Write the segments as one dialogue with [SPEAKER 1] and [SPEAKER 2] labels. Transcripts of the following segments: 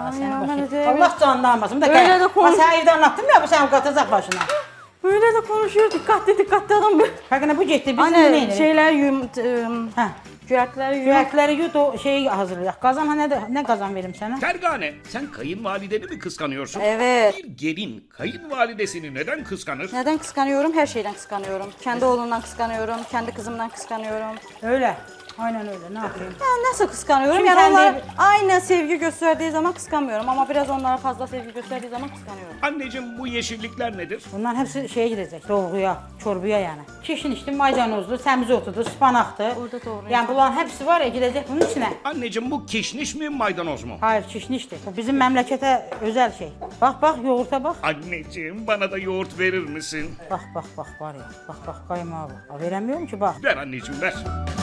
[SPEAKER 1] Allah seni
[SPEAKER 2] ya,
[SPEAKER 1] başına.
[SPEAKER 2] ben de-
[SPEAKER 1] Allah canını almasın.
[SPEAKER 2] Öyle de konuş-
[SPEAKER 1] Sen evde anlattım ya bu sen katacak başına.
[SPEAKER 2] Böyle de konuşuyor. Dikkatli adam.
[SPEAKER 1] Bakın bu getdi. Biz bunu
[SPEAKER 2] Anne
[SPEAKER 1] neyiniz?
[SPEAKER 2] şeyler
[SPEAKER 1] Hə.
[SPEAKER 2] cüyətləri yum.
[SPEAKER 1] Yürekleri yut o şeyi hazırlayaq. Kazan ha ne kazan verim sana?
[SPEAKER 3] Fergane, sen kayınvalideni mi kıskanıyorsun?
[SPEAKER 2] Evet.
[SPEAKER 3] Bir gelin kayınvalidesini neden kıskanır?
[SPEAKER 2] Neden kıskanıyorum? Her şeyden kıskanıyorum. Kendi oğlumdan kıskanıyorum. Kendi kızımdan kıskanıyorum.
[SPEAKER 1] Öyle. Aynen öyle. Ne yapayım?
[SPEAKER 2] Ya nasıl kıskanıyorum?
[SPEAKER 1] Şimdi
[SPEAKER 2] Yani
[SPEAKER 1] kendi-
[SPEAKER 2] onlar aynı sevgi gösterdiği zaman kıskanmıyorum. Ama biraz onlara fazla sevgi gösterdiği zaman kıskanıyorum.
[SPEAKER 3] Anneciğim bu yeşillikler nedir?
[SPEAKER 1] Bunların hepsi şeye gidecek. Dolguya, çorbaya yani. Kişin içti maydanozlu, semizotudu, spanaktı.
[SPEAKER 2] Orada doğru.
[SPEAKER 1] Yani bunların hepsi var ya gidecek bunun içine.
[SPEAKER 3] Anneciğim bu kişniş mi maydanoz mu?
[SPEAKER 1] Hayır kişnişti. Bu bizim memlekete özel şey. Bak yoğurta bak.
[SPEAKER 3] Anneciğim bana da yoğurt verir misin?
[SPEAKER 1] Bak var ya. Bak kaymağı bak. Aa, veremiyorum ki bak.
[SPEAKER 3] Ver anneciğim ver.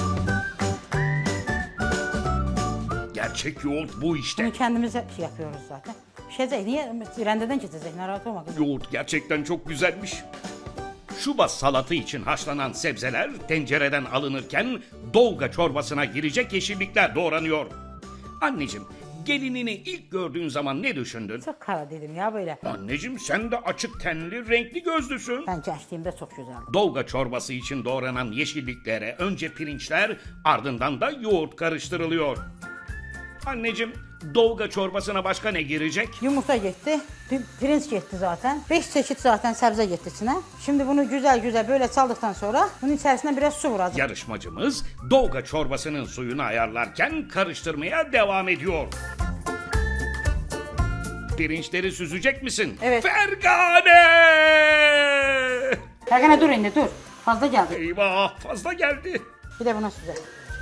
[SPEAKER 3] Gerçek yoğurt bu işte.
[SPEAKER 1] Bunu kendimiz yapıyoruz zaten. Niye rendeden geçecek? Narahat olma kızım.
[SPEAKER 3] Yoğurt gerçekten çok güzelmiş. Şuba salatı için haşlanan sebzeler tencereden alınırken dolga çorbasına girecek yeşillikler doğranıyor. Anneciğim, gelinini ilk gördüğün zaman ne düşündün?
[SPEAKER 1] Çok kara dedim ya böyle.
[SPEAKER 3] Anneciğim sen de açık tenli, renkli gözlüsün.
[SPEAKER 1] Ben gençliğimde çok güzeldi.
[SPEAKER 3] Dolga çorbası için doğranan yeşilliklere önce pirinçler, ardından da yoğurt karıştırılıyor. Anneciğim, dolga çorbasına başka ne girecek?
[SPEAKER 1] Yumurta gitti, pirinç gitti zaten. 5 çeşit zaten sebze gitti içine. Şimdi bunu güzel böyle çaldıktan sonra bunun içerisine biraz su vuracağız.
[SPEAKER 3] Yarışmacımız dolga çorbasının suyunu ayarlarken karıştırmaya devam ediyor. Pirinçleri süzecek misin?
[SPEAKER 2] Evet.
[SPEAKER 3] Fergane!
[SPEAKER 1] Ergene dur indi dur. Fazla geldi.
[SPEAKER 3] Eyvah fazla geldi.
[SPEAKER 1] Bir de buna süzelim.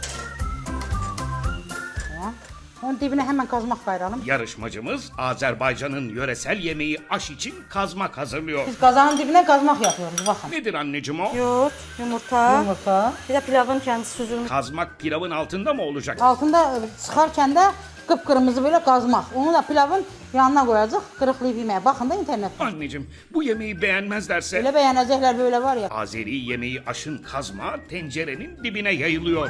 [SPEAKER 1] Tamam. Onun dibine hemen kazmak kayıralım.
[SPEAKER 3] Yarışmacımız Azerbaycan'ın yöresel yemeği aş için kazmak hazırlıyor.
[SPEAKER 1] Biz kazanın dibine kazmak yapıyoruz bakın.
[SPEAKER 3] Nedir anneciğim o?
[SPEAKER 2] Yoğurt, yumurta,
[SPEAKER 1] Yumurta.
[SPEAKER 2] bir de pilavın kendisi süzülmüş.
[SPEAKER 3] Kazmak pilavın altında mı olacak?
[SPEAKER 1] Altında çıkarken de kıpkırmızı böyle kazmak. Onu da pilavın yanına koyacağız. Kırıklayıp yemeye. Bakın da internette.
[SPEAKER 3] Anneciğim bu yemeği beğenmezlerse...
[SPEAKER 1] Öyle beğenecekler böyle var ya.
[SPEAKER 3] Azeri yemeği aşın kazma tencerenin dibine yayılıyor.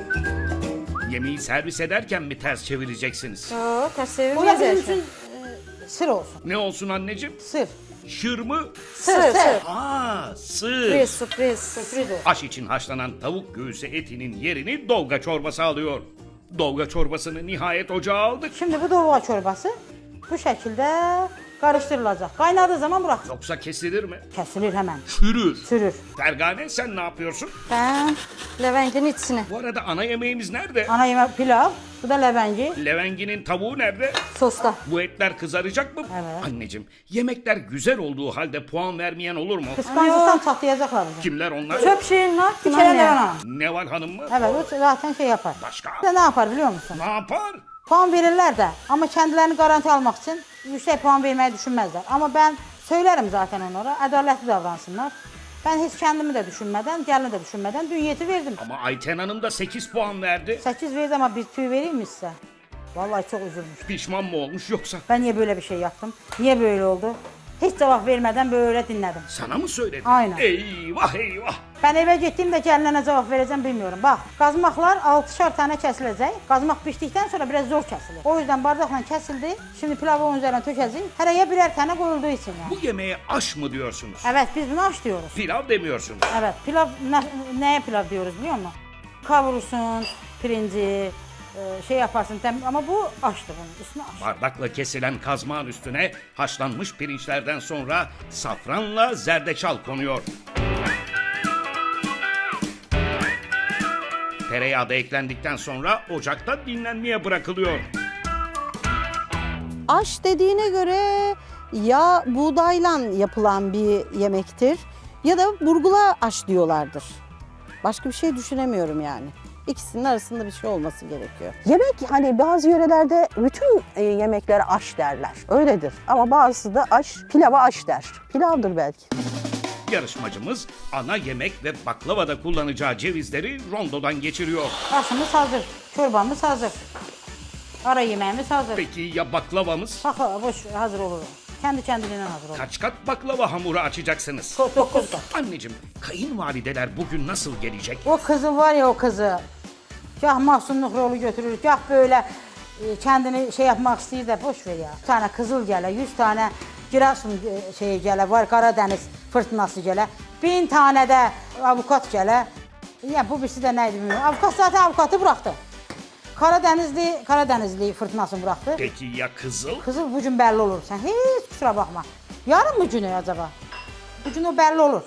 [SPEAKER 3] Yemeği servis ederken mi ters çevireceksiniz?
[SPEAKER 2] Yok, ters
[SPEAKER 1] Bu da
[SPEAKER 2] çevirmez
[SPEAKER 1] bizim
[SPEAKER 2] her
[SPEAKER 1] için
[SPEAKER 2] şey.
[SPEAKER 1] sır olsun.
[SPEAKER 3] Ne olsun anneciğim?
[SPEAKER 1] Sır.
[SPEAKER 3] Şır mı?
[SPEAKER 2] Sır.
[SPEAKER 3] Aa, sır.
[SPEAKER 2] Sürpriz.
[SPEAKER 1] Sürpriz olsun.
[SPEAKER 3] Aş için haşlanan tavuk göğsü etinin yerini dolga çorbası alıyor. Dolga çorbasını nihayet ocağa aldık.
[SPEAKER 1] Şimdi bu dolma çorbası bu şekilde karıştırılacak. Kaynadığı zaman bırak.
[SPEAKER 3] Yoksa kesilir mi?
[SPEAKER 1] Kesilir hemen.
[SPEAKER 3] Çürür.
[SPEAKER 1] Sürür.
[SPEAKER 3] Fergane sen ne yapıyorsun?
[SPEAKER 2] Ben leventin içine.
[SPEAKER 3] Bu arada ana yemeğimiz nerede?
[SPEAKER 1] Ana yemek pilav. Bu da lebenci.
[SPEAKER 3] Levenginin tavuğu nerede?
[SPEAKER 2] Sosta.
[SPEAKER 3] Bu etler kızaracak mı?
[SPEAKER 1] Evet.
[SPEAKER 3] Anneciğim yemekler güzel olduğu halde puan vermeyen olur mu?
[SPEAKER 1] Kıskançlıktan çatlayacaklar bizi.
[SPEAKER 3] Kimler onlar?
[SPEAKER 2] Çöp şeyin ne yaptın
[SPEAKER 1] Bir kere de
[SPEAKER 2] anne?
[SPEAKER 1] ona.
[SPEAKER 3] Neval Hanım mı?
[SPEAKER 1] Evet o zaten şey yapar.
[SPEAKER 3] Başka?
[SPEAKER 1] Bir de ne yapar biliyor musun?
[SPEAKER 3] Ne yapar?
[SPEAKER 1] Puan verirler de ama kendilerini garanti almak için yüksek puan vermeyi düşünmezler. Ama ben söylerim zaten onlara adaletli davransınlar. Ben hiç kendimi de düşünmeden, gelini de düşünmeden dünyeti verdim.
[SPEAKER 3] Ama Ayten Hanım da 8 puan verdi.
[SPEAKER 1] 8 verdi ama bir tüy vereyim mi size? Vallahi çok üzülmüş.
[SPEAKER 3] Pişman mı olmuş yoksa?
[SPEAKER 1] Ben niye böyle bir şey yaptım? Niye böyle oldu? Hiç cevap vermeden böyle dinledim.
[SPEAKER 3] Sana mı söyledi?
[SPEAKER 1] Aynen.
[SPEAKER 3] Eyvah eyvah.
[SPEAKER 1] Ben eve gittiğimde gelinine cevap vereceğim bilmiyorum. Bak kazmaklar 6'şar tane kesilecek. Kazmak piştikten sonra biraz zor kesilir. O yüzden bardakla kesildi. Şimdi pilavı onun üzerine tökeceğiz. Her aya birer tane koyulduğu için yani.
[SPEAKER 3] Bu yemeğe aş mı diyorsunuz?
[SPEAKER 1] Evet biz bunu aş diyoruz.
[SPEAKER 3] Pilav demiyorsunuz.
[SPEAKER 1] Evet pilav neye pilav diyoruz biliyor musun? Kavurursun pirinci şey yaparsın ama bu aştı bunun ismi aş.
[SPEAKER 3] Bardakla kesilen kazmağın üstüne haşlanmış pirinçlerden sonra safranla zerdeçal konuyor. Tereyağı da eklendikten sonra ocakta dinlenmeye bırakılıyor.
[SPEAKER 4] Aş dediğine göre ya buğdayla yapılan bir yemektir ya da burgula aş diyorlardır. Başka bir şey düşünemiyorum yani. İkisinin arasında bir şey olması gerekiyor.
[SPEAKER 5] Yemek hani bazı yörelerde bütün yemeklere aş derler. Öyledir. Ama bazısı da aş, pilava aş der. Pilavdır belki.
[SPEAKER 3] Yarışmacımız ana yemek ve baklavada kullanacağı cevizleri rondodan geçiriyor.
[SPEAKER 1] Aşımız hazır, çorbamız hazır. Ara yemeğimiz hazır.
[SPEAKER 3] Peki ya baklavamız?
[SPEAKER 1] Baklava boş hazır olur. Kendi kendiliğinden hazır olur.
[SPEAKER 3] Kaç kat baklava hamuru açacaksınız?
[SPEAKER 1] 9 kat.
[SPEAKER 3] Anneciğim, kayınvalideler bugün nasıl gelecek?
[SPEAKER 1] O kızı var ya o kızı. Gah mahsunluk rolu götürür, gah böyle kendini şey yapmak istəyir də boş ver ya. 100 tane kızıl gələ, 100 tane Giresun şeyi gələ, var Karadeniz fırtınası gələ, 1000 tane də avukat gələ. Ya bu birisi də nə idi bilmiyorum. Avukat zaten avukatı bıraktı. Karadenizli fırtınasını bıraktı.
[SPEAKER 3] Peki ya Kızıl?
[SPEAKER 1] Kızıl bu gün belli olur. Sen hiç kusura bakma. Yarın mı günü acaba? Bu gün o belli olur.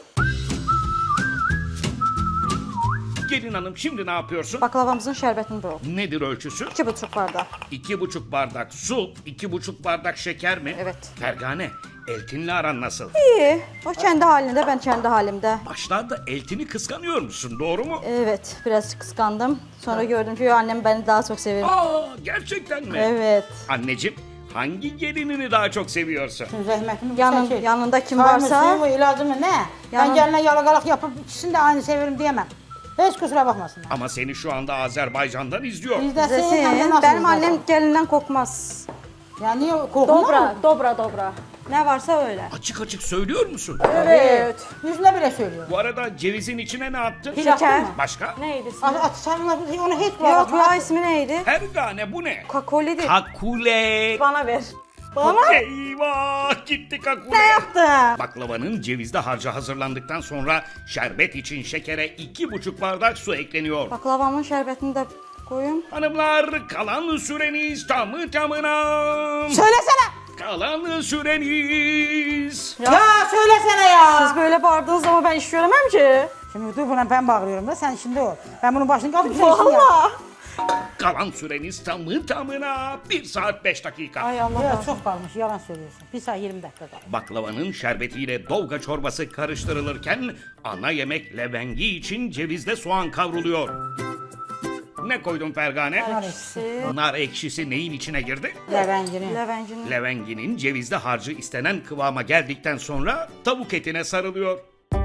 [SPEAKER 3] Gelin hanım şimdi ne yapıyorsun?
[SPEAKER 2] Baklavamızın şərbətini bırak.
[SPEAKER 3] Nedir ölçüsü?
[SPEAKER 2] 2,5 bardak.
[SPEAKER 3] 2,5 bardak su, 2,5 bardak şeker mi?
[SPEAKER 2] Evet.
[SPEAKER 3] Fergane, Eltin'le aran nasıl?
[SPEAKER 2] İyi. O kendi halinde, ben kendi halimde.
[SPEAKER 3] Başlarda Eltin'i kıskanıyor musun, doğru mu?
[SPEAKER 2] Evet, biraz kıskandım. Sonra gördüm ki annem beni daha çok seviyor.
[SPEAKER 3] Aa, gerçekten mi?
[SPEAKER 2] Evet.
[SPEAKER 3] Anneciğim, hangi gelinini daha çok seviyorsun?
[SPEAKER 1] Şimdi zəhmətimi
[SPEAKER 2] Yanında kim
[SPEAKER 1] Çayımı,
[SPEAKER 2] varsa-
[SPEAKER 1] suyumu, ilacımı ne? Ben
[SPEAKER 2] Yanın-
[SPEAKER 1] geline yalagalık yapıp ikisini de aynı severim diyemem. Hiç kusura bakmasınlar.
[SPEAKER 3] Ama seni şu anda Azerbaycan'dan izliyor.
[SPEAKER 1] İzlesin, hem de
[SPEAKER 2] Zesin,
[SPEAKER 1] nasıl
[SPEAKER 2] benim
[SPEAKER 1] izlesin?
[SPEAKER 2] annem gelinden kokmaz.
[SPEAKER 1] Ya niye korkma?
[SPEAKER 2] Dobra. Ne varsa öyle.
[SPEAKER 3] Açık açık söylüyor musun?
[SPEAKER 2] Evet.
[SPEAKER 1] Yüzüne bile söylüyor.
[SPEAKER 3] Bu arada cevizin içine ne attın?
[SPEAKER 1] Hiç attın mı?
[SPEAKER 3] Başka?
[SPEAKER 2] Neydi ismi?
[SPEAKER 1] Sen onu hiç
[SPEAKER 2] Yok ya, ismi neydi?
[SPEAKER 3] Fergane bu ne?
[SPEAKER 2] Kakoli'di.
[SPEAKER 3] Kakule.
[SPEAKER 2] Bana ver. Bana
[SPEAKER 3] Eyvah gitti kakule.
[SPEAKER 2] ne yaptın?
[SPEAKER 3] Baklavanın cevizli harcı hazırlandıktan sonra şerbet için şekere 2,5 bardak su ekleniyor.
[SPEAKER 2] Baklavamın şərbətini de koyun.
[SPEAKER 3] Hanımlar kalan süreniz tamı tamına.
[SPEAKER 1] Söylesene.
[SPEAKER 3] Kalan süreniz.
[SPEAKER 1] Ya söylesene ya.
[SPEAKER 2] Siz böyle bağırdınız ama ben iş göremem ki.
[SPEAKER 1] Şimdi dur buna ben bağırıyorum da sen şimdi ol. Ben bunun başını kapıp sen işini yap.
[SPEAKER 2] Valla.
[SPEAKER 3] Kalan süreniz tamı tamına 1 saat 5 dakika.
[SPEAKER 2] Ay Allah.
[SPEAKER 1] Ya çok kalmış yalan söylüyorsun. 1 saat 20 dakika kalmış.
[SPEAKER 3] Baklavanın şerbetiyle dolga çorbası karıştırılırken ana yemek levengi için cevizle soğan kavruluyor. Ne koydun Fergane?
[SPEAKER 1] Nar ekşisi.
[SPEAKER 3] Nar ekşisi neyin içine girdi?
[SPEAKER 1] Levengini.
[SPEAKER 2] Levencinin.
[SPEAKER 3] Levenginin cevizli harcı istenen kıvama geldikten sonra tavuk etine sarılıyor.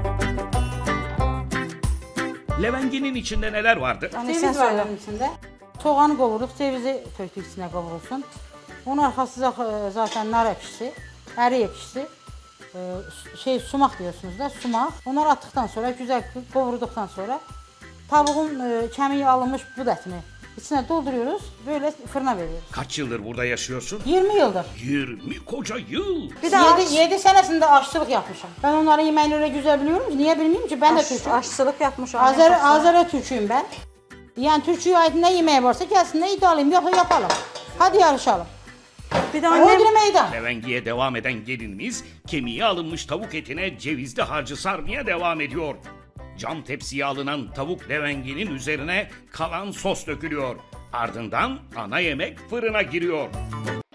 [SPEAKER 3] Levenginin içinde neler vardı?
[SPEAKER 2] Hani sen
[SPEAKER 1] Ceviz var
[SPEAKER 2] söyle.
[SPEAKER 1] onun içinde. Soğanı kavurduk, cevizi töktük içine kavrulsun. Onun arkası zaten nar ekşisi, eri ekşisi, sumak diyorsunuz da sumak. Onları attıktan sonra güzel kavurduktan sonra tavuğun kemiği alınmış bu etini içine dolduruyoruz, böyle fırına veriyoruz.
[SPEAKER 3] Kaç yıldır burada yaşıyorsun?
[SPEAKER 1] 20 yıldır.
[SPEAKER 3] 20 koca yıl.
[SPEAKER 2] Bir de
[SPEAKER 1] 7 senesinde aşçılık yapmışım. Ben onların yemeğini öyle güzel biliyorum ki, niye bilmiyorum ki, ben de Türk'üm.
[SPEAKER 2] aşçılık yapmış annem.
[SPEAKER 1] Azeri Türk'üyüm ben. Yani Türkçüye ait ne yemeği varsa gelsin ne iddialıyım, yoksa yapalım. Hadi yarışalım.
[SPEAKER 2] Bir de
[SPEAKER 1] Annem...
[SPEAKER 2] annem
[SPEAKER 1] meydan.
[SPEAKER 3] Levengiye devam eden gelinimiz kemiği alınmış tavuk etine cevizli harcı sarmaya devam ediyor. Cam tepsiye alınan tavuk levenginin üzerine kalan sos dökülüyor. Ardından ana yemek fırına giriyor.